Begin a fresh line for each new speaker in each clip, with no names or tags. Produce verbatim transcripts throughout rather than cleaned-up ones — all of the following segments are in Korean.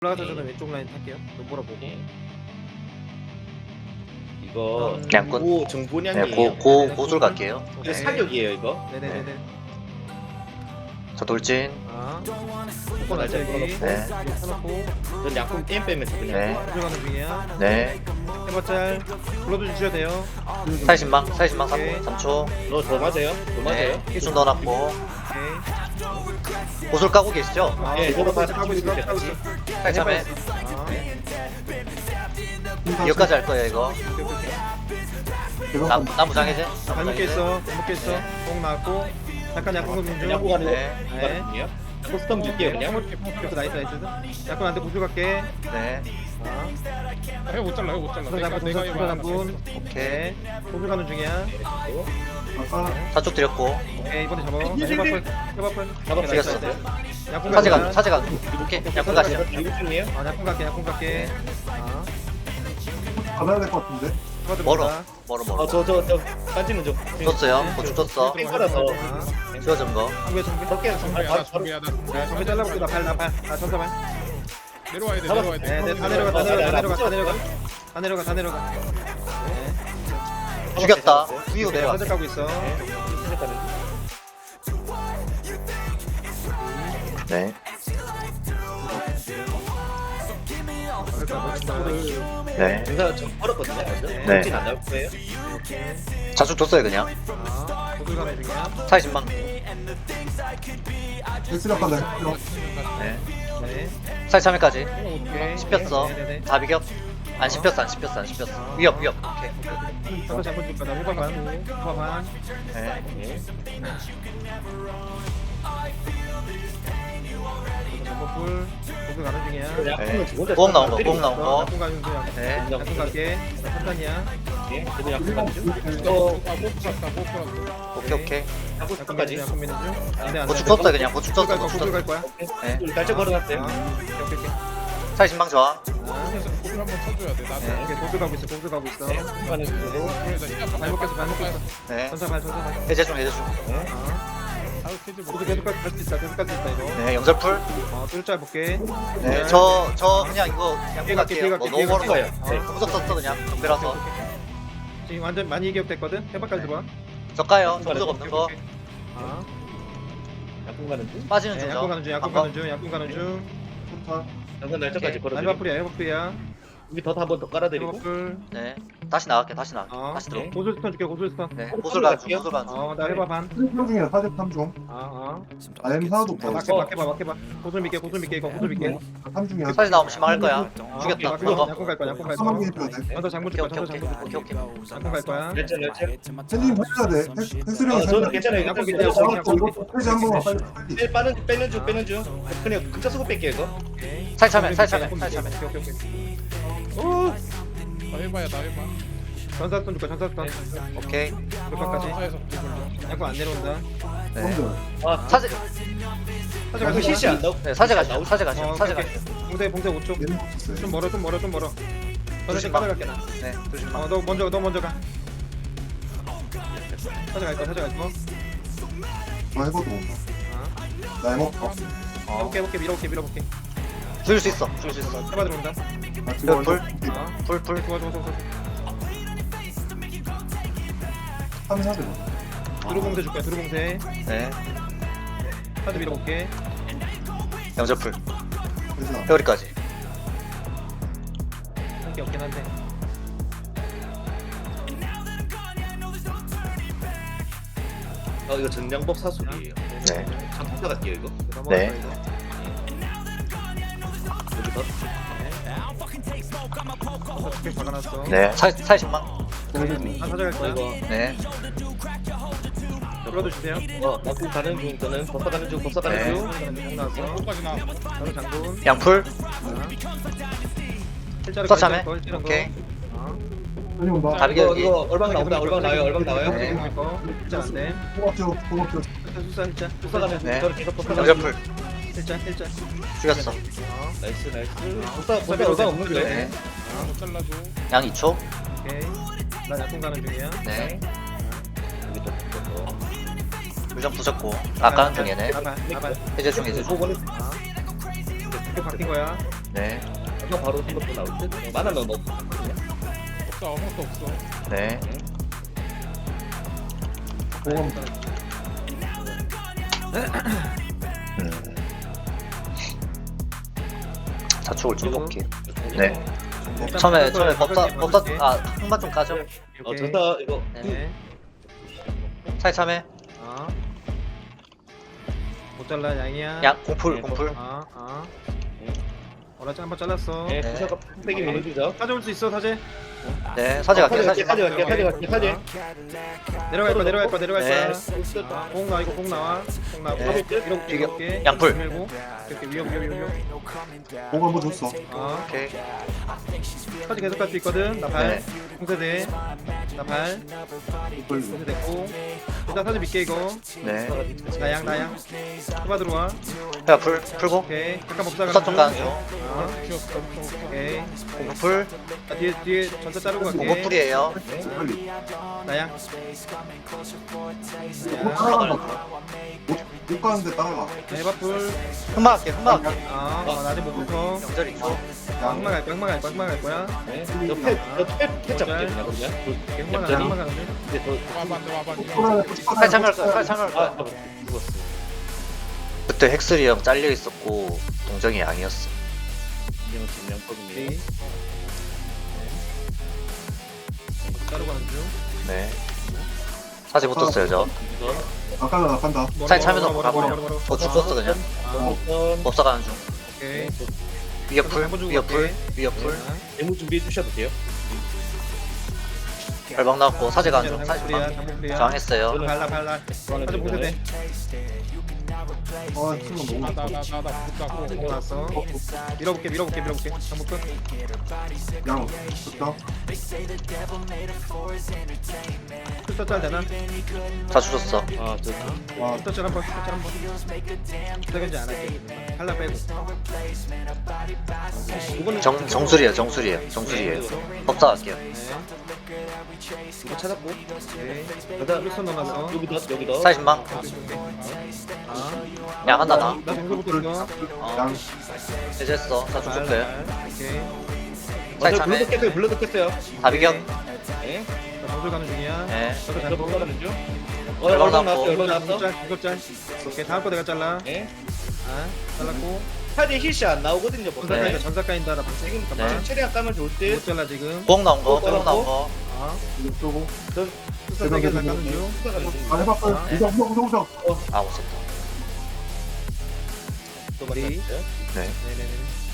올라가서 저는 왼쪽 라인 탈게요. 눈보라 보고.
예. 이거
음,
양꾼.
고
네,
정보량이에요.
고, 고, 고술 갈게요.
이거 사격이에요 이거.
네네네네.
저 돌진.
아,
날
한번
잘
알자기.
걸어놓고.
네.
펴놓고
전 약품 게임 빼면서 그냥.
네.
들어가는 중이야.
네.
해봤자 불러도 주셔야 돼요.
사이신망, 사이신망
오케이.
삼 초.
너 더 맞아요? 더 맞아요?
네. 일순 넣어놨고.
오케이.
고술 까고 계시죠?
아,
예,
이거
저거
같이
다
하고 있어.
같이
하고 있어.
살참해.
아,
이거까지 할 거예요, 이거.
오케이, 오케이.
나, 나무 장해제.
자, 발목에 있어. 발목에 있어. 공 나왔고. 잠깐 약간 좀 좀.
약품 가는
네.
거 가는요? 포스텀 줄게요 그냥.
그래서 나이스 나이스. 약간 한테 구슬 갈게.
네.
아,
해 못 잘라 해 못 잘라.
구슬
내가
잡고
내가
구슬
이거
잡고.
오케이.
구슬 가는 중이야.
사쪽 드렸고.
오케이 이번에 잡아. 해바풀. 해바풀.
잡아
죽였어.
약분
사제가,
갈게.
사제가. 오케이. 약분 가시죠.
이거 중이에요?
아, 약분 갈게. 약분 갈게. 아,
받아야 될 것 같은데?
멀어. 멀어, 멀어.
어저저저 빠지는 좀.
줬어요. 고추 줬어.
땡거라서.
아,
지워준 거.
정배 정배.
덕계
준비하다 준비하다.
야, 정배 잘라볼게. 나발 나발. 아, 전사 발.
내려와야 돼
잡아.
내려와야
네,
돼.
네, 다 내려가, 다 내려가, 다 내려가, 다 내려가, 다 내려가, 다 내려가. 네,
죽였다. 후이고 내려와.
사제 가고 있어.
네. 네.
증사 좀 벌었거든요. 먼저.
네.
정진 안 나올 거예요.
자축 줬어요, 그냥.
아, 고글 가는 중이야.
사이신망.
헬스력 간다, 헬스력.
네.
네.
사이참회까지.
오케이.
씹혔어.
네네네.
다 비격. 안 씹혔어, 안 씹혔어, 안 씹혔어. 위협, 위협. 오케이.
한번 잡고 줄 거다. 후반 반, 후반 반.
네.
점퍼풀. 고글 가는 중이야.
네. 보험 나온 거, 보험 나온 거.
약분 가는 중이야.
네.
약분 갈게. 나 판단이야.
저도 약품 가는 중.
어, 아, 못 풀었다 못 풀었다.
오케이, 오케이.
하고
약분 가지.
싶어까지.
약분 미는 중. 안 돼, 안 돼.
고축 줬어, 그냥. 고축
고글
줬어,
갈 거야.
고축
고글 갈
줬어.
거야.
네.
날짜 걸어놨어요.
아, 오케이, 오케이, 오케이.
사이신망 저항.
아,
고글 한번 쳐줘야 돼. 나도.
오케이, 고글 가고 있어. 고글 가고 있어.
가는 중으로.
발목에서 발목에서.
네.
전사 발, 전사 발.
해제 중, 해제 중.
아.
아우 캐지 못.
계속 계속 갈 수 있다. 계속 갈 수 있다 이거.
네, 영절풀.
어, 뚫자 볼게.
네, 저, 저 그냥 이거 양분
뒤에 갈게, 뒤에
갈게요.
갈게,
뭐
뒤에
너무 멀어서.
갈게.
네.
어.
무적 썼어, 그냥. 정배라서.
지금 완전 많이 이격됐거든. 해박까지 들어와.
저 까요. 저 무적 없는 거.
아,
약품 가는 중.
빠지는
네,
중이죠.
약분 가는 중, 약분 가는 중, 약분 가는 중.
좋다.
장사 날짜까지
오케이.
걸어드리고.
해박풀이야, 해박풀이야.
여기 더 한 번 더 깔아드리고.
해박풀.
네. 다시 나갈게, 다시 나갈게.
어,
다시 들어.
고술 스턴 줄게, 고술 스턴.
네. 고술 가는 중, 고술 가는 중.
어, 나 해봐 반.
사십삼 중이야, 사십삼 중.
아, 아.
아엠 하나도
자,
없어.
막해, 막해 봐, 막해 봐. 고술 믿게, 고술 믿게, 이거 고술 믿게.
삼 중이야.
사실 나오면 심할 거야.
아,
죽였다.
막해,
그거.
약분 갈 거야, 약분 갈
삼만
거야.
개 해줘야 돼.
먼저 장문 줄
오케이,
거야,
오케이,
먼저
오케이.
장문 줄
오케이, 오케이.
약분 갈 거야.
날짜 날짜.
헬리님 해줘야 돼. 헬스력이
아, 저는 괜찮아요.
약분
약품
믿게, 약분 믿게,
잡았어.
약분
이거 헬스 한 번만 빨리. 빨리.
빼 빠는 빼는 중 빼는 중. 그냥 극자 쓰고 뺄게요 이거.
믿게.
살참해,
약분
살참해,
믿게,
살참해.
오케이, 오케이, 오케이.
나 해봐야 나 해봐.
전사 스턴 줄 거야, 전사 스턴.
오케이.
몇번까지
사에서 불려.
약분 안 내려온다.
네.
형들.
아
사제,
사제
그 실시 안 나오.
네, 사제 가시죠. 사제
어,
가시죠. 사제
오케이,
가시죠.
봉쇄 봉쇄 오 초.
얘는 없었어요.
좀 멀어 좀 멀어 좀 멀어. 저는
조심마.
까다롭게 나.
네, 조심만.
어너 먼저 너 먼저 가. 사제 갈 거, 사제 갈 거.
저 해봐도 온다.
아,
나 해먹어.
어.
해볼게 해볼게 밀어볼게 밀어볼게.
죽일 수 있어. 죽일 수 있어.
해봐 들어온다.
나 지금
불.
아,
풀, 풀.
좋아 좋아 좋아 좋아.
하면 하자.
드루 봉쇄 줄 거야 드루 봉쇄.
네.
사제 밀어볼게.
영절풀.
헬스 안.
회오리까지.
한게 없긴 한데.
어 이거 전량복 사수기예요.
네.
전투사 갈게요 이거.
넘어갔어
네.
이거.
여기서.
어떻게 박아놨어.
네. 사, 사십만.
아 사제 갈 거야.
이거
네.
불러도 주세요.
어 낙구 가는 중 저는 법사 가는 중 법사 가는
네.
중.
장 나왔어.
끝까지 나.
저는 장군.
양풀.
실자를
서참해.
거, 실자를 거.
오케이.
아,
빨리 온다.
다비겨
이거
여기.
이거 얼방 나온다 얼방 나와요 얼방 나와요.
네.
네. 거. 실자 안 돼.
고맙죠. 고맙죠.
실자 수사 실자.
법사 가는 중
네.
저는 계속 법사 가는 중.
영절풀.
실자 실자.
죽였어.
어,
나이스 나이스. 법사 법사 얼방 없는 거예요.
네.
못 잘라줘.
양 이 초.
오케이. 나 약분 가는 중이야.
네.
여기 또 또.
물좀 부셨고. 아까는 중이네.
나발 나발.
해제 중, 해제 중.
보고는
아. 이렇게 바뀐 거야.
네.
아까 바로 생각도 나올 듯. 만화 넣어 넣어.
없어 아무것도 없어.
네.
보험
음. 자축을 좀 볼게요. 네. 처음에 처음에 법사 법사 아 흑마 좀 까죠.
어 좋다 이거.
네.
차이 참해.
아. 못 잘라 양이야.
양 공풀 공풀.
아, 아. 어라지 한번 잘랐어.
네.
네.
부사가 세게 밀어주죠.
가져올 수 있어 사제.
네. 사제 갈게요. 사제.
사제 갈게 사제 갈게 사제.
내려갈 거야 내려갈 거야 내려갈
네.
거야. 아, 공 나와 이거 공 나와. 공 나와.
네.
이렇게
비교.
이렇게.
양풀.
밀고. 이렇게 위협 위협 위협.
보험 한번 줬어.
아.
오케이.
사제 계속 갈 수 있거든. 나 발.
네.
공세대. 나 발. 공세 됐고. 일단 사제 믿게 이거.
네.
나양 나양. 후바 들어와.
야, 불 풀고.
오케이. 잠깐 법사
법사 좀 가는 중.
아.
없어 없어 없어.
오케이.
공풀.
자, 뒤에 뒤에 전차 자르고 갈게.
공풀이에요.
빨리.
나양.
못 따라간다. 못, 못 가는데 따라가.
해바풀.
흑마 갈게. 흑마 갈게.
아, 어, 나 아직 못 붙어.
명절 있고.
흑마 갈 거야, 흑마 갈 거야, 흑마 갈 거야.
네. 너패너패 잡게 그냥 그냥.
흑마 가,
얌전히.
흑마 가는데.
근데 저
와봐 안 돼, 와봐 안 돼.
꼬라야,
칼 참여할 거야. 칼 참여할
아,
거야.
아, 죽었어.
그때 헥스리 형 잘려 있었고 동정이 양이었어.
이제는 진명거든요.
오케이. 자르고 가는 중.
네. 사제 붙었어요 저.
이거
나간다, 나간다.
사제 참여도
뭐라, 뭐라,
가보냐.
뭐라, 뭐라,
어 죽었어 그냥.
아,
우선
법사 가는 중.
오케이.
위협풀.
한번 주고
위협풀.
갈게.
위협풀.
대무 준비해 주셔도 돼요.
발방 나왔고 사제 가는 중. 사제
장부풀이야,
방.
장부풀이야.
저항했어요.
발라, 발라. 사제 보세대.
아, 지금 너무.
나나나나 붙다고.
공 나왔어. 밀어볼게, 밀어볼게, 밀어볼게. 장부 끝.
양, 좋다.
슈터 짤 되나?
다 주셨어.
아, 저
와,
슈터 짤 한 번, 슈터 짤 한 번. 슈터 견제 안 할게. 칼라 빼고. 이거는
정 정술이에요. 정술이에요. 정술이에요. 법사 갈게요.
네.
이거 찾았고.
오케이.
그다음
일선 넘어갔어.
여기도 여기도.
사십만.
아.
양 한다 나.
나 정글부터 이거.
어.
양.
해제했어. 다
발,
죽었어요.
발. 오케이.
사제
맞아,
참해.
블러드 깼어요. 블러드 깼어요.
다 비겨.
네.
나 정글 가는 중이야.
네.
저도 잘
저
보고.
볼라는 중. 어,
얼방
얼방
나왔고.
나왔어.
이거
얼방 나왔어.
짤, 이거 짤. 오케이, 다음 거 내가 잘라.
네.
아, 잘랐고.
사제 힐시 안 나오거든요.
전사
보세요.
까인다, 전사 까인다. 나 벌써
지금
잠깐만.
최대한 까면 좋을 듯.
못 잘라 지금.
뽕 나온 거. 뽕 나온 거.
아,
이거 쏘고.
수사 세게 나가는 중.
아, 해봐, 빨리.
아.
우정, 우정, 우정, 우정.
아 못 썼다.
또
머리.
만났어요.
네.
네네네.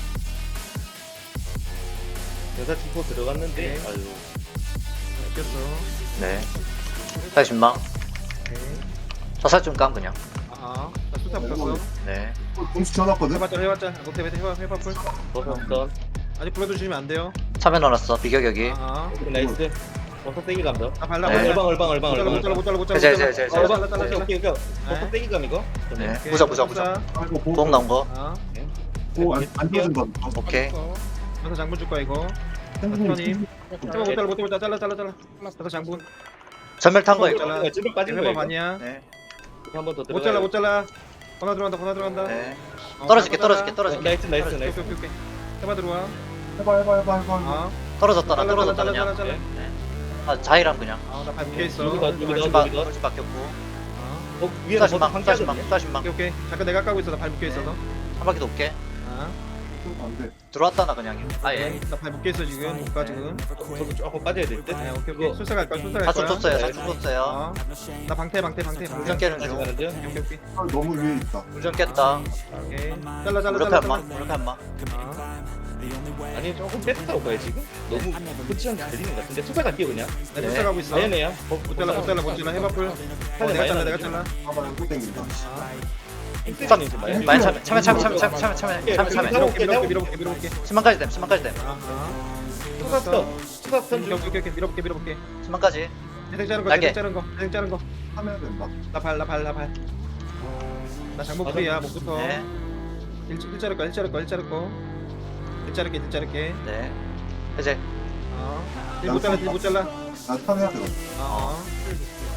여자 팀포 들어갔는데.
네.
아유.
꼈어.
네. 사십만.
오케이.
사살 좀 깐 그냥.
아, 나 수사 붙었어.
네.
공수 지어놨거든?
해봤자, 해봤자. 못해, 해봐, 해봐, 풀.
버섯던.
아직 불러주시면 안 돼요.
참여 넣어놨어. 비격 여기.
아,
나이스. 버섯 떼기 감도.
아 발라,
네.
발라.
얼방 얼방 얼방
못 잘라,
얼방.
못 잘라, 못 잘라, 못 잘라.
제, 제, 제, 제.
어, 잘라, 잘라, 잘라.
오케이 오케이. 버섯 떼기 감 이거.
네.
오케이.
부자 부자 부자.
수사.
아이고, 보험.
뽕 나온 거.
아,
보험 안, 안 띄워준다.
오케이.
가서 장군 줄 거야 이거.
선생님,
해봐, 못 잘라, 못 잘라, 잘라, 잘라, 잘라. 가서 장군.
전멸 탄 거 이거.
잘라.
지금 빠진
해봐
거예요.
반이야.
네.
한번 더
못 잘라, 못 잘라. 권나 들어간다, 권나 들어간다.
네.
어,
떨어질게
권나
떨어질게
잘라.
떨어질게.
나이스 나이스
오케이,
나이스.
오케이, 오케이. 해봐 들어와.
해봐, 해봐, 해봐, 해봐.
아,
떨어졌다 나
잘라,
떨어졌다
잘라,
그냥.
잘라, 잘라.
네. 아 자이랑 그냥.
아, 나발 묶여 있어.
여기다, 여기다.
돌진
바-
바 돌진 바뀌었고.
아,
어 위에 버섯
사십만
한
사십만
개거든요.
사십만.
오케이, 오케이. 잠깐 내가 까고 있어. 나 발 묶여 있어서.
한 바퀴 높게.
아,
안 돼.
들어왔다 나 그냥. 아예.
나발 묶여 있어 지금. 못 가 지금.
저도 조금 빠져야 될 듯.
네, 오케이, 오케이.
이거
술사 갈 거야, 술사 갈
사축
거야.
줬어요. 사축 줬어요.
아, 나 방태, 방태, 방태, 방태.
운전 깨는
다시
중.
가는 중.
오케이, 오케이.
아, 너무 위에 있다.
운전 깼다.
오케이. 잘라, 잘라,
무력해
잘라.
한마.
잘라.
무력해 한마.
아,
아니 조금 뺐다고 봐요 지금. 너무 포지션 걸리는 것 같은데. 투자 갈게요 그냥.
나
네.
술사 가고 있어.
아니네요.
못 잘라, 못 잘라, 못 잘라. 해봐 풀. 어,
많이
내가 잘라,
많이
내가 잘라.
봐봐, 또 땡긴다.
아,
인프라님 좀 많이.
많이 참여 참여 참여 참여 참여 참여 참여 참여 참여.
밀어볼게, 밀어볼게, 밀어볼게, 밀어볼게.
십만까지 됨. 십만까지 됨.
아, 아.
투자 턴. 투자 턴
오케이,
중.
오케이, 오케이. 밀어볼게, 밀어볼게.
십만까지.
대생 자른 거,
날개.
대생 자른 거, 대생 자른 거.
하면 된다.
나 발, 나 발, 나 발. 나 장목 프리야, 목부터.
네.
일, 일 자를 거, 일 자를 거, 일 자를 거. 일 자를게, 일 자를게.
네. 해제.
아, 일 못 잘라, 일 못 잘라.
나 턴해야 돼.
아,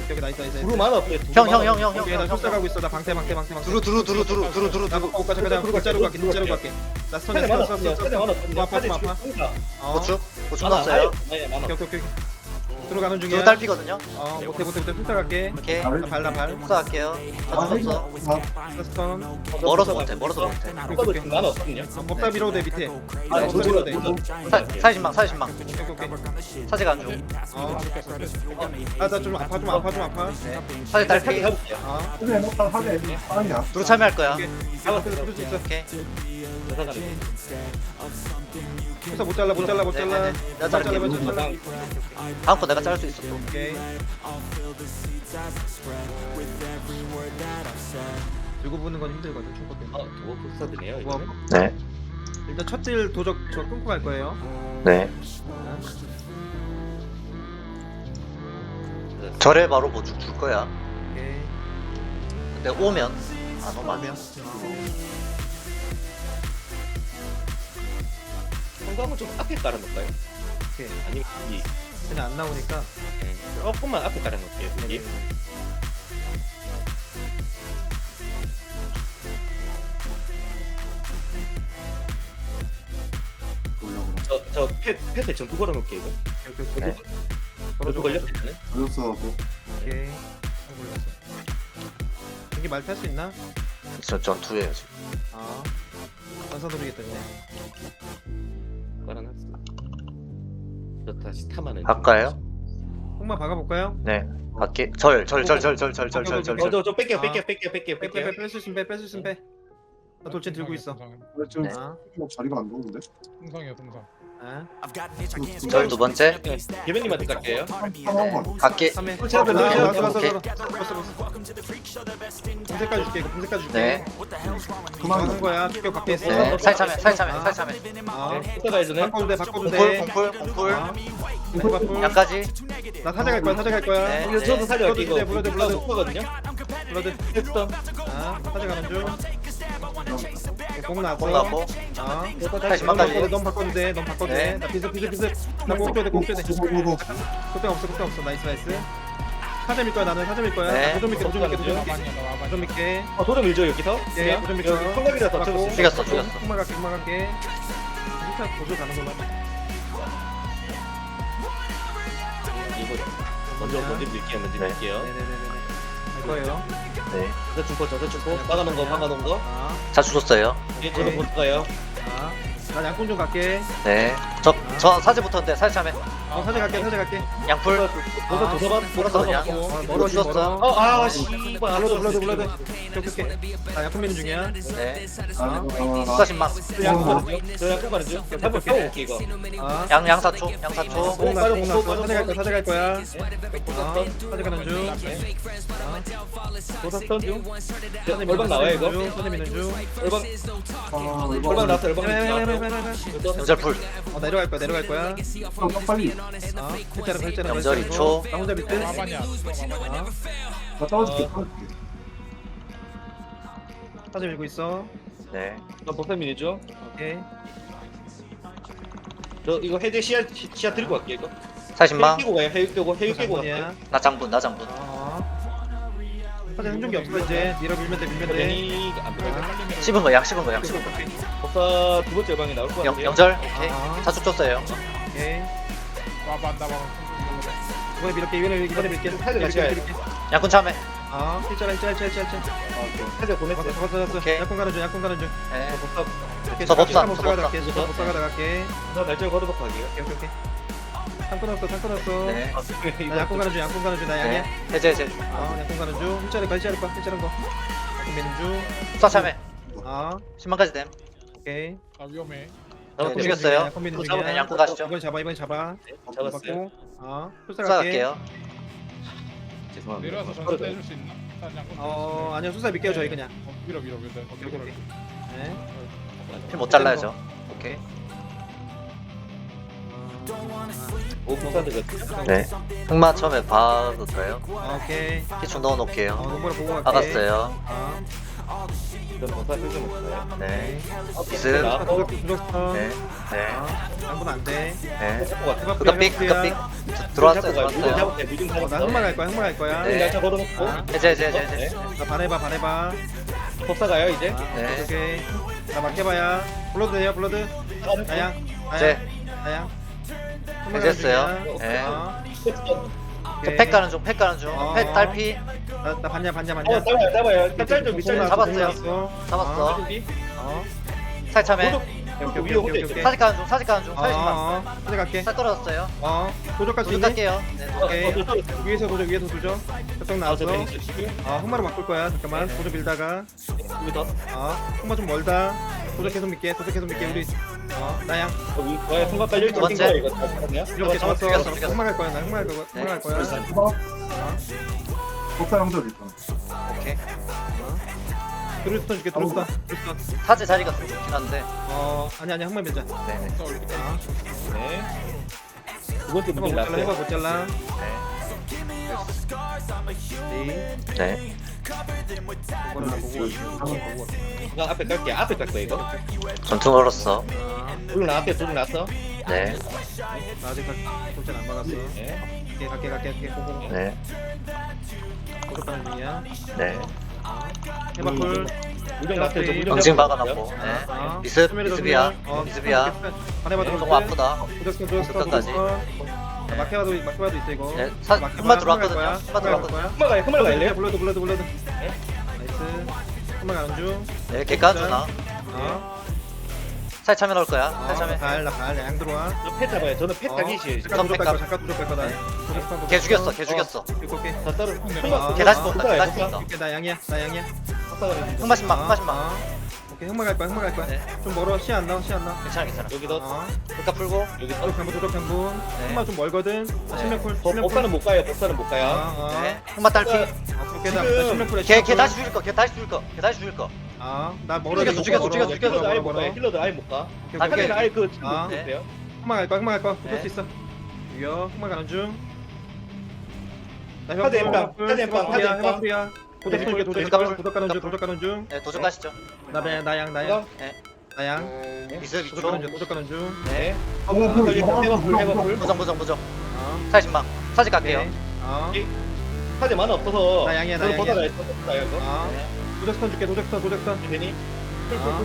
오케이 나이스 나이스.
두루 많아 없어요.
형 형 형 형
오케이 나
형형
숫자 가고 있어. 나 방태 방태 방태 방태.
두루 두루 두루 두루 두루 두루
나
두루
못 가자 가자. 뒷자로 갈게 뒷자로 갈게. 나 스턴
사제
스턴
많아
스턴
없어요. 사제 많아
스턴.
없어요.
아파 좀 아파. 어.
고추 고추
많아.
넣었어요.
아예 많아.
오케이 오케이 오케이. 들어가는 중이야.
두루 딸피거든요.
어 못해 못해 못해 숫자 갈게.
오케이
나 발, 나 발.
흡사 할게요.
아
저도
이거
없어.
아,
스턴.
멀어서 못해 멀어서 못해.
아까도 지금 많아 없거든요.
어, 법사 밀어도 돼 밑에.
아,
법사 밀어도 돼.
사이신망 사이신망
오케이 오케이.
사제가 안 중.
어. 아나 좀 아파 좀 아파 좀 아파.
사제
사제
딸피.
가볼게요.
어.
하게 해놓다 하게 아니야.
두루 참여할 거야.
오케이. 잡아 들을 수 있어.
오케이.
여사가네.
법사 못 잘라 못 잘라 못 잘라.
네네네. 내가
못 잘라
자를게.
못 잘라.
다음 거 내가 자를 수 있어 또.
오케이. 들고 부는 건 힘들거든 충고 때문에.
어, 도어 복사드네요.
뭐,
이거는.
네.
일단 첫 딜 도적 저 끊고 갈 거예요.
네. 절에 바로 뭐 줄 거야.
오케이.
근데 오면 안 오면
성광은 좀 앞에 깔아놓을까요?
오케이.
아니면 이
그냥 안 나오니까.
조금만 앞에 깔아놓을게요. 여기. 저저 패패 전투 걸어놓을게요. 이거.
오케이 오케이.
네.
전투 걸렸으면은
걸렸어 뭐.
오케이. 아, 몰랐어. 여기 말 탈 수 있나?
저 전투예요 지금.
아. 전사 노리겠다네.
깔아놨어. 저 다시 탐하는.
갈까요?
콩만 박아볼까요?
네. 갈게. 절 절 절 절 절 절 절 절 절.
어저저 뺄게요
아.
뺄게요 뺄게요 뺄게요
빼
뺄게요.
빼 빼 뺄 수 있으면 빼 뺄 수 있으면 빼. 나 돌진 들고 있어.
왜 지금
네.
아.
자리가 안 좋은데?
동상이야 동상.
아.
절 두 번째.
개변님한테 갈게요.
하나만
갈게.
삼 회.
어, 제가
아,
들어가요.
왔어, 왔어,
오케이.
왔어. 왔어, 왔어. 분색까지 줄게. 이거 분색까지 줄게.
네.
그만
그만
하는 거야. 투표 밖에 있어.
네. 살참해 살참해 살참해.
아.
이따가 해주네.
바꿔도 돼. 바꿔도
공풀
돼.
공풀 공풀.
아. 공풀.
양까지.
나 사자 갈 거야. 사자 갈 거야.
네.
이거 저도 살려갈게 이거.
블러드, 블러드, 블러드.
거거든요.
블러드.
했던.
아. 사자 가는 중. 공 나왔어.
공 나왔고.
아.
다시
넌
막까지.
바꿔도 돼. 넌 바꿔도 돼. 넌 바꿔도 돼.
네.
나 비스 비스 비스. 나공 줘야 돼. 공 줘야 돼.
고고고고
그때 없어. 그때 없어. 나이스 나이스. 사자 밀 거야. 나는 사자 밀 거야.
네.
도전 밀게. 도전 밀게. 도전 밀게.
와반이야 나 와반.
도전 밀게.
어 도전 밀죠 여기서.
예. 도전 밀게.
성갑이라서
맞고.
죽였어, 죽였어.
콩만 갈게. 콩만 갈게. 일단 도전 가는 걸로 하자.
이거 먼저 먼저 밀게요 먼저
네.
밀게요.
네네네네. 할 거예요.
네.
저중포저중포 막아놓은 거 막아놓은 거.
아.
자주 줬어요.
예 저도 못 가요.
아. 나 양꾼 좀 갈게.
네. 저 저 사제부터인데 살참해.
어, 사자 갈게. 사자 갈게.
양풀.
도서
아,
도서반
돌아서 그냥.
어,
이거
멀어
죽었어.
멀어.
어아 씨발
블러드 블러드 블러드. 오케이 오케이. 나 양꾼 미는 중이야.
네.
아.
수사신망.
저 양쪽 가는 중. 저 양쪽 가는 중. 한번 펴고 올게 이거.
아.
양 양사초 양사초.
공 났어. 공 났어.
빠져,
사자 갈 거야. 사자 갈 거야.
도서
아. 사자 가는 중.
도서 턴 중.
사자 미는
얼방 나와요 이거.
중. 사자 미는 중.
얼방
아
얼방
이거
나왔어 얼방
헤헤헤헤헤헤.
나왔어.
염절풀.
어 내려갈 거야. 내려갈 거야.
아, 빨리
아. 글자로 글자로.
염절 이 초.
나 혼자 밑에.
와반이야. 와반이야.
아.
나 떨어질게
사자 밀고 있어.
네.
저 복사민이죠.
오케이.
저 이거 해제 시야 시- 시야 들고 갈게 이거.
사신망.
해육 깨고 가요. 해육 깨고 해육 깨고 갈게.
장군이야.
나 장군 나 장군.
아. 사자 흔적이 없어 이제. 밀어 밀면 돼 밀면 돼.
괜히 안 들어가.
아.
씹은 거 양 씹은 거 양 씹은 거.
복사 두 번째 방에 나올 거
영
같아요.
영절. 오케이.
아.
자주 줬어요.
오케이.
와반 나 와반.
이번에 밀게 이번에 이번에 밀게.
사자 밀게.
양군 참해.
아. 일자라 일자라 일자라 일자라.
해제
맞았어
보냈어요.
맞았어 맞았어.
오케이.
약혼 가는 중 약혼 가는 중.
네.
복사
오케이,
저 법사,
못
저
사가다
법사.
갈게. 저 못 사가다 갈게.
저 날짜를 걸어놓고 가게요.
오케이 오케이 오케이. 탕 끊었어 탕 끊었어.
네.
나 약혼 가는 중 약혼 가는 중나 양이야.
네. 해제 해제.
아 약혼 가는 중. 일자리 가 일자리 거 일자리 거. 약혼 미는 중.
수사 참해.
아
십만까지 됨.
오케이.
나 위험해.
네, 죽였어요.
약혼 미는
또
중이야.
잡으면 양꾼 가시죠.
이번 잡아 이번 잡아.
잡았어요.
받고. 아 수사
수사
갈게.
갈게요.
죄송합니다.
내려와서 전투 떼줄 수 있나? 난 양꾼.
어 아니요 수사 믿게요 저희 그냥.
어, 밀어 밀어 밀어.
오케이 오케이 오케이. 네.
피 못 잘라야죠. 오케이.
오 복사 들었죠.
네. 흑마 처음에 박을까요?
아, 오케이.
피충
어
넣어놓을게요.
농구를 보고 갈게.
박았어요.
아
그럼 법사 긁으면
네.
돼요.
미스.
나
도적 도적스턴.
네. 네.
양분 안 돼.
네.
해봐
그니까 삑, 그니까 삑. 들어왔어요, 들어왔어요.
미중
어, 나 흑마 갈 거야. 흑마 갈 거야.
네.
날짜 걸어놓고.
아.
해제, 해제, 해제, 해제.
네.
나 반해봐 반해봐.
법사 가요 이제.
네.
오케이. 나 막해봐야. 블러드 돼요 블러드. 나양.
이제.
나양.
해제했어요. 네. 저 팩 가는 중, 팩 가는 중.
어.
팩 딸피.
나나 봤냐 봤냐 봤냐.
어 잡아요 잡아요. 짤짤 좀 밑짤
잡았어요. 잡았어.
어.
살참해.
오케이 위에 혼자 있어.
사직 가는 중, 사직 가는 중.
어.
사직만.
어. 어디 갈게.
살 떨어졌어요.
어. 도적할 수
도둑
있니?
갈게요. 네.
오케이. 위에서 도적 위에서 도적. 저쪽 나왔어. 어. 흑마로 바꿀 거야. 잠깐만. 도적 밀다가.
여기 더.
어. 흑마 좀 멀다. 도적 계속 믿게. 도적 계속 믿게 우리. 어. 나양.
여기 와야 순간 깔려 있는
두 번째.
이거 다 잡았냐?
이렇게 잡았어.
죽였어, 죽였어.
흑마 갈 거야. 나 흑마 갈 거야. 흑마 갈 거야.
네.
어.
법사 형들 있잖아.
오케이.
드루스턴 줄게. 드루스턴. 드루스턴.
사제 자리가 좀 좋긴 한데.
어. 아니 아니 흑마 밀자.
네네.
어.
네. 두 번째
해봐
문제
못 잘라. 해봐
났어요.
못 잘라.
네.
네.
네.
이거는 나 보고 보고.
나 앞에 깔게. 앞에 깔 거야 이거.
전투 걸었어.
둘 나왔대. 둘 났어.
네.
나 아직 도전 안 막았어.
네.
갈게 갈게 갈게 갈게 고고.
네.
도적 가는 중이야.
네.
해봐 쿨.
무정 났어요. 저 무정
응징
잡았어요.
박아놨고. 네.
어.
미습,
수면에도
미습이야.
수면. 어,
미습이야.
반해봐
조금
들어올게.
아프다.
도적스턴 도적스턴
끝까지.
도적스턴.
네.
마케바도 마케바도 있어 이거.
네, 사-
마케바,
흑마 들어왔거든요.
흑마 갈
흑마
거야.
들어왔거든요.
흑마 가요. 흑마 가요.
블러드 블러드 블러드. 나이스. 흑마 가는 중.
네, 개간 주나.
어.
살 참여 넣을 거야.
어.
살 참여.
갈나갈양 들어와.
저패 잡아요. 저는 패 타기 싫어요.
잠깐 도적 갈
백
거야. 잠깐 도적 갈 거다. 도적스턴,
걔
도적스턴.
죽였어. 걔 죽였어.
이거 오케이.
다 따로.
아,
걔 다시
아,
쏜다. 걔 다시 쏜다.
오케이 나 양이야. 나 양이야.
흑마신망,
어,
흑마신망.
어. 오케이 흑마 갈 거야. 흑마 갈 거야.
네.
좀 멀어. 시 안 나와. 시 안 나와.
괜찮아, 괜찮아.
여기 더.
어.
그러니까 풀고.
여기 더.
도적 한분 도적 한분.
네.
흑마 좀 멀거든. 아, 신명풀.
법- 법사는 못 가요. 법사는 못 가요.
어.
네. 흑마 딸피.
오케이 나
지금
신명풀에.
걔, 걔 다시 죽일 거. 걔 다시 죽일 거. 걔 다시 죽일 거.
아, 나 멀어.
죽였어, 죽였어, 죽였어, 죽였어.
힐러도 아예 못 가요. 힐러도 아예 못 가.
아,
하늘은
그게-
아예 그 친구
아.
못 돼요.
흑마 갈 거야. 흑마 갈 거야. 붙을
네.
수 있어. 위어. 흑마 가는 중. 나
카드 엠빵, 카드 엠빵, 카드 엠빵.
해방풀이야. 도적
네.
쏠게. 도적
도적
쏠게.
가는
도적 가는 중. 도적 가는 중.
네, 도적 가시죠.
나야 나양 나양.
네.
나양.
미습
도적
이쪽.
가는 중. 도적 가는 중.
네.
어, 뭐, 뭐,
해봐,
뭐,
해봐,
뭐,
해봐,
뭐,
불.
무정, 무정, 무정.
어.
사십망. 사직 갈게요.
오케이. 어.
카드 많아 없어서.
나 양이야, 나
저는
양이야.
보다가 했어. 보다가 이거.
어.
네.
도적스턴 줄게. 도적스턴 도적스턴.
괜히.
아.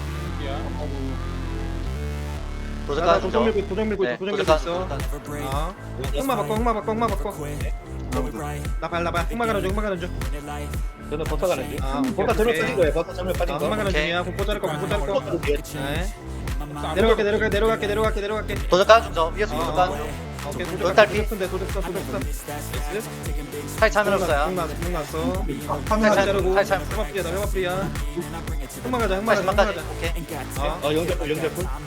도적
나
가는
도적
중.
밀고 도적 밀고
네,
있어. 도적
도적
밀고
가는
있어.
중.
어. 흑마 바꿔. 흑마 바꿔. 흑마 바꿔. 나발 나발. 흑마 가는 중. 흑마 가는 중.
저는 법사 가는 중.
아, 오케이,
법사 전면
오케이.
빠진 거예요. 법사 전면 빠진
아,
거.
흑마 가는
오케이.
중이야. 공포 자를 거. 공포 자를 거.
어, 뒤에.
네. 내려갈게. 내려갈게. 내려갈게. 내려갈게. 내려갈게.
도적 가는 중. 저 위에서
어,
도적
어.
가는 중.
오케이.
도적
도적
딸피.
도적스턴 돼. 도적스턴. 도적스턴.
사직 참여 넣을 거야.
흑마 흑마 났어.
아,
살
카메라
자르고.
살 참.
흑마 프리야. 나 흑마 프리야. 흑마 가자. 흑마 가자. 흑마
사십망까지.
가자.
오케이.
어.
어, 영접불, 영접불.
아.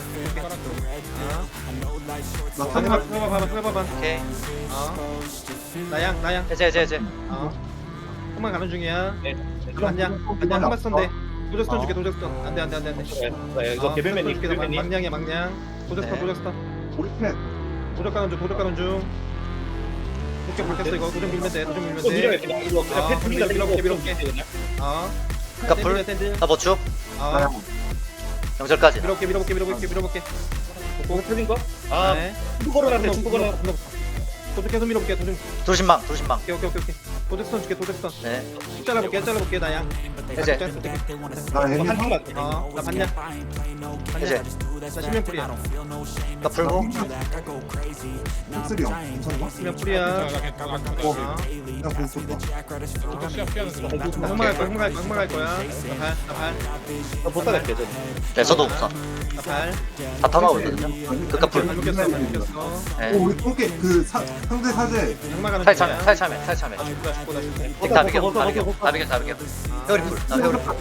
나
아, 해봐,
카메라
해봐, 봐봐, 해봐, 봐봐.
오케이.
어. 나양, 나양.
해제, 해제, 해제.
어. 흑마 가는 중이야.
네.
안녕, 안녕. 흑마 스턴데. 도적스턴
어.
줄게, 도적스턴. 안돼, 안돼, 안돼, 안돼.
네, 이거 개별맨님, 개별맨님.
망냥이야, 망냥. 도적스턴,
네.
도적스턴.
우리 팬
도적 가는 중, 도적 가는 중. 도적 바뀌었어 이거. 도적 밀면 돼, 도적 밀면
이거 밀어요,
돼.
그냥. 이거 그냥
아,
패스 밀어,
밀어,
밀어,
밀어,
밀어,
밀어.
그냥.
어.
그러니까 불.
샌들, 샌들.
나 보충.
어.
나야
영절까지.
밀어볼게, 밀어볼게, 밀어볼게, 밀어볼게.
공 터진 거? 아,
네.
중국 걸어놨네, 중국 걸어.
도적 계속 밀어볼게, 도적.
도신망, 도신망.
오케이, 오케이, 오케이, 오케이. 도적스턴 줄게, 도적스턴.
네.
잘라볼게, 잘라볼게, 나양.
해제.
나 애니
한 팀만.
어, 나 봤냐?
해제.
나 실명풀이야.
나 풀고.
픽슬이 형 괜찮아?
실명풀이야. 어.
그냥 그냥 좀
시합 피하는 거.
나 흑마 갈 거야, 흑마 갈 거야, 흑마 갈 거야. 나 발, 나 발,
저 보다 갈게, 저.
네, 저도 우선.
나 발.
다 타나고 있거든요. 그니까 불.
안 죽였어, 안 죽였어.
어,
네.
우리 통계 그 사, 상대 사제
흑마 가는
살 참여,
중이야.
살 참여, 살 참여.
나 죽고, 나 죽고, 나 죽고.
다 비겨, 다 비겨, 다 비겨, 다 비겨. 회오리 풀. 나 회오리 풀.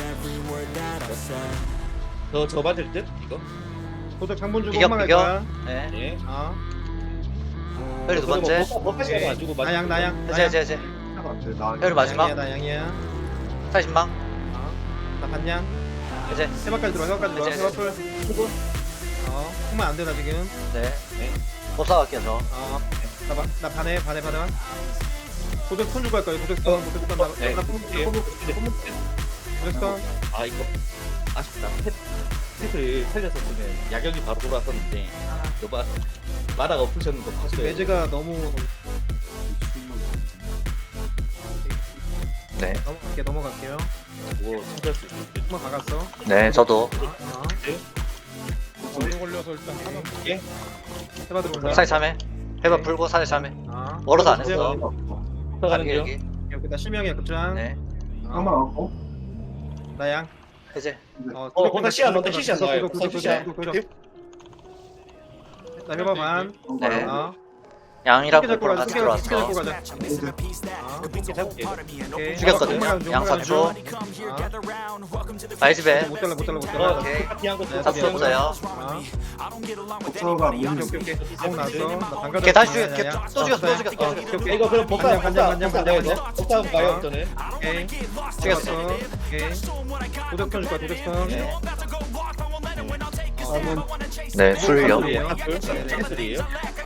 저, 저 맞을 듯? 이거?
도적 장본 주고
비겨,
흑마 갈
비겨.
거야.
네.
예.
어.
회오리 두 번째.
법사 시간 안 주고
나양, 나양.
해제, 해제, 해제.
나
회오리 마지막.
양이야, 나 양이야.
사십망.
어. 나 봤냐?
해제.
해바까지 들어와, 해바까지 들어와.
이제,
해바풀. 어. 흑마 안 되나 지금?
네. 법사 갈게요, 저.
어. 나 봐, 나 반해, 반해, 반해. 도적 손 주고 할 거야. 도적 손, 도적 손. 나,
네.
나 품,
예.
품, 무적선.
아 이거 아쉽다. 펫, 펫을 살렸었으면 야경이 바로 돌아왔었는데 여봐 마다가 없으셨는 거 봤어요.
매즈가 너무
네.
넘어갈게 넘어갈게요.
뭐 참고할 수 있을
한번 박았어.
네, 저도.
어,
오래 걸려서 일단 하나
게
해봐 들어온다.
사제 참해. 해봐 풀고 사제 참해.
아,
멀어서 안 했어.
들어가는
여기,
중.
여기.
여기 나 실명이야 급장.
네.
한번 하고.
나양.
해제.
어,
어, 거기다 시야 넣는다. 시야 넣어요.
구독, 구독,
시야.
구독, 구독, 구독. 나 해봐 반.
네.
어.
양이랑
스케줄
공포랑
가자.
같이
스케줄 스케줄
들어왔어.
가자. 어,
이렇게 잡을게.
오케이.
죽였거든요.
홈런
양
좀, 홈런
삼 초.
좀. 어.
아이즈배.
못 잘라 못 잘라 못
어,
잘라.
오케이.
파티한 거
네,
탑수 없어요.
어.
법사가
오케이
문.
오케이 오케이. 아무 나왔어. 나 방금
오케이, 다시 죽여. 오케이, 또 죽였어, 또 죽였어, 또
오케이
죽였어.
오케이.
이거 그럼 법사
간장,
법사
간장,
법사
간장,
내야 돼.
간장.
법사 한번 가요 저는.
오케이.
죽였어.
오케이. 도적선 줄 거야 도적선.
네.
네, 술요.
술이에요.
캐슬이에요.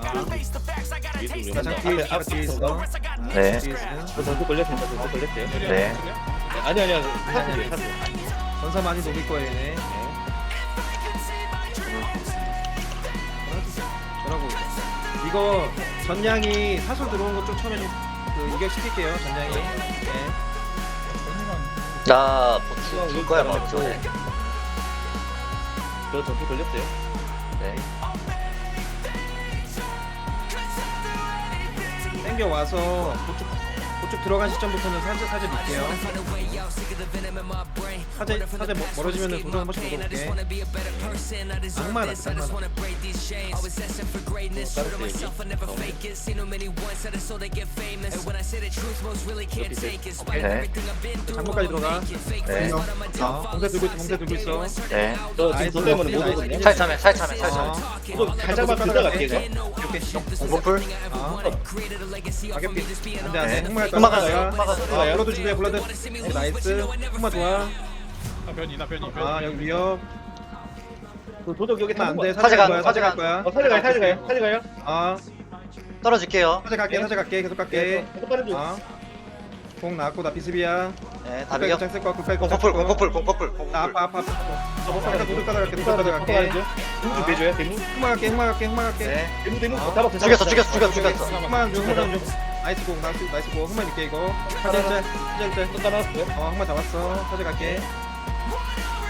나 장기
앞에
뒤에 있어.
네.
뒤에 있어.
저 전투 걸렸습니다. 전투 걸렸어요.
네.
아니 아니야. 사슬이에요. 사슬.
전사 많이 녹일 거예요 얘네. 뭐라고? 이거 전량이 사슬 들어온 거 좀 처음에 좀그 이격 시킬게요 전량이. 네.
나 보충 줄 거야, 막 전에.
저 전투 걸렸어요.
네.
땡겨 와서 그쪽 그쪽 들어간 시점부터는 사제 사제 밀게요. 사제 사제 멀- 멀어지면은 도전 한 번씩 먹어볼게. 악마 낫다 악마.
네.
장모까지 들어가.
네.
어, 봉쇄 들고 있어 봉쇄 들고 있어.
네.
저
나이스,
지금 돈 때문에 못
나이스.
오거든요.
사제 참해, 사제 참해, 사제
어.
참해.
이거 살짝만 들어갈게 이거.
오케이.
공포풀.
어. 가격비. 안돼 안돼.
네.
흑마할 거야.
흑마가
흑마가.
흑마가
아,
들어가요.
블러드 준비해 블러드. 어, 나이스. 흑마 좋아.
나 변이 나 변이 변이.
아 여기 위협.
그 도적 여기
흑마
타는
안돼.
거.
사제 갈
사제가,
거야. 사제 갈
사제가.
거야.
어 사제 가요. 사제 가요. 사제 가요.
아
떨어질게요.
사제 갈게. 사제 갈게. 계속 갈게.
계속 빠른 중.
아. 공 나왔고 나 비스비야.
네, 다 비겨.
쓸 거야. 굿백.
공포풀, 공포풀, 공포풀,
나
공포풀.
아파 아파. 아파. 도둑 가져갈게. 도둑 가져갈게.
대문 준비해줘요. 대문.
흑마 갈게. 흑마 갈게. 흑마 갈게.
네.
대문 대문.
어.
잡아.
죽였어, 죽였어, 죽였어, 죽였어.
흑마 좀 흑마 좀. 나이스 공 나이스 나이스 공. 흑마 밀게 이거. 사제 짤. 사제 짤.
또 따라왔어요.
어 흑마 잡았어. 사제 갈게.